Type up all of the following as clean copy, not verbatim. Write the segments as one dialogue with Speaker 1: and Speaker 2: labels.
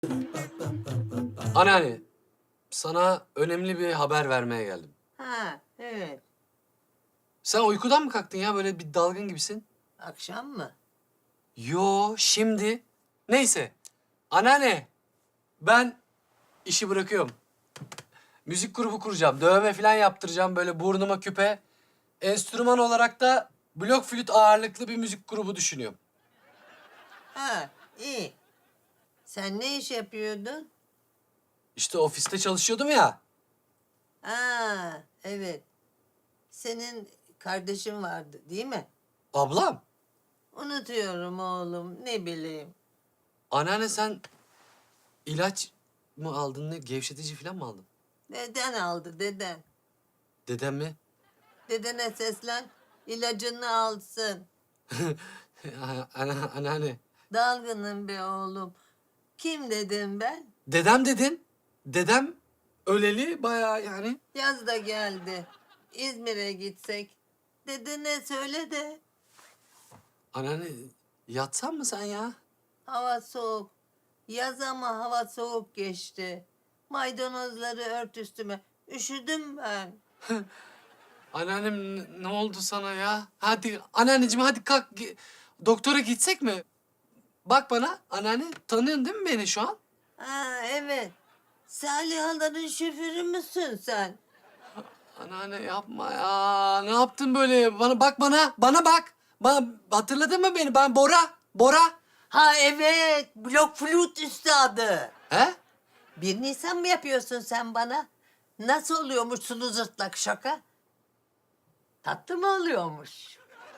Speaker 1: Anneanne, sana önemli bir haber vermeye geldim.
Speaker 2: Ha, evet.
Speaker 1: Sen uykudan mı kalktın ya? Böyle bir dalgın gibisin.
Speaker 2: Akşam mı?
Speaker 1: Yo, şimdi. Neyse. Anneanne, ben işi bırakıyorum. Müzik grubu kuracağım. Dövme falan yaptıracağım. Böyle burnuma küpe. Enstrüman olarak da blok flüt ağırlıklı bir müzik grubu düşünüyorum.
Speaker 2: Ha, iyi. Sen ne iş yapıyordun?
Speaker 1: İşte ofiste çalışıyordum ya.
Speaker 2: Ha, evet. Senin kardeşin vardı, değil mi?
Speaker 1: Ablam,
Speaker 2: Unutuyorum oğlum, ne bileyim.
Speaker 1: anneanne sen ilaç mı aldın ne? Gevşetici falan mı aldın?
Speaker 2: Deden aldı, deden.
Speaker 1: Dedem mi?
Speaker 2: Dedene seslen, ilacını alsın.
Speaker 1: Anneanne.
Speaker 2: Dalgınım be oğlum. Kim dedim ben?
Speaker 1: Dedem dedin. Dedem öleli bayağı yani.
Speaker 2: Yaz da geldi. İzmir'e gitsek. Dedene söyle de.
Speaker 1: Anneanne yatsan mı sen ya?
Speaker 2: Hava soğuk. Yaz ama hava soğuk geçti. Maydanozları ört üstüme. Üşüdüm ben.
Speaker 1: Anneannem ne oldu sana ya? Hadi anneanneciğim hadi kalk. Doktora gitsek mi? Bak bana anneanne tanıyorsun değil mi beni şu an?
Speaker 2: Ha evet. Salihaların şoförü müsün sen?
Speaker 1: Anneanne yapma ya. Ne yaptın böyle? Bana bak bana. Bana bak. Bana hatırladın mı beni? Ben Bora. Bora.
Speaker 2: Ha evet. Blok flüt üstadı.
Speaker 1: He?
Speaker 2: 1 Nisan mı yapıyorsun sen bana? Nasıl oluyormuş sulu zırtlak şaka? Tatlı mı oluyormuş?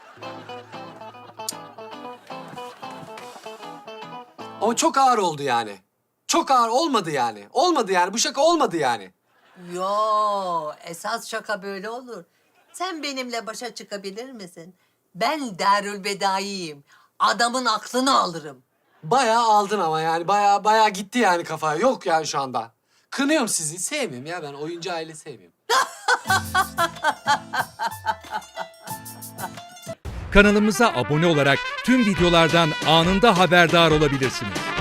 Speaker 1: Ama çok ağır oldu yani. Çok ağır olmadı yani. Olmadı yani. Bu şaka olmadı yani.
Speaker 2: Yo, esas şaka böyle olur. Sen benimle başa çıkabilir misin? Ben Darülbedai'yim. Adamın aklını alırım.
Speaker 1: Bayağı aldın ama yani. Bayağı gitti yani kafaya. Yok yani şu anda. Kınıyorum sizi. Sevmiyorum ya ben. Oyuncu aile sevmiyorum.
Speaker 3: Kanalımıza abone olarak tüm videolardan anında haberdar olabilirsiniz.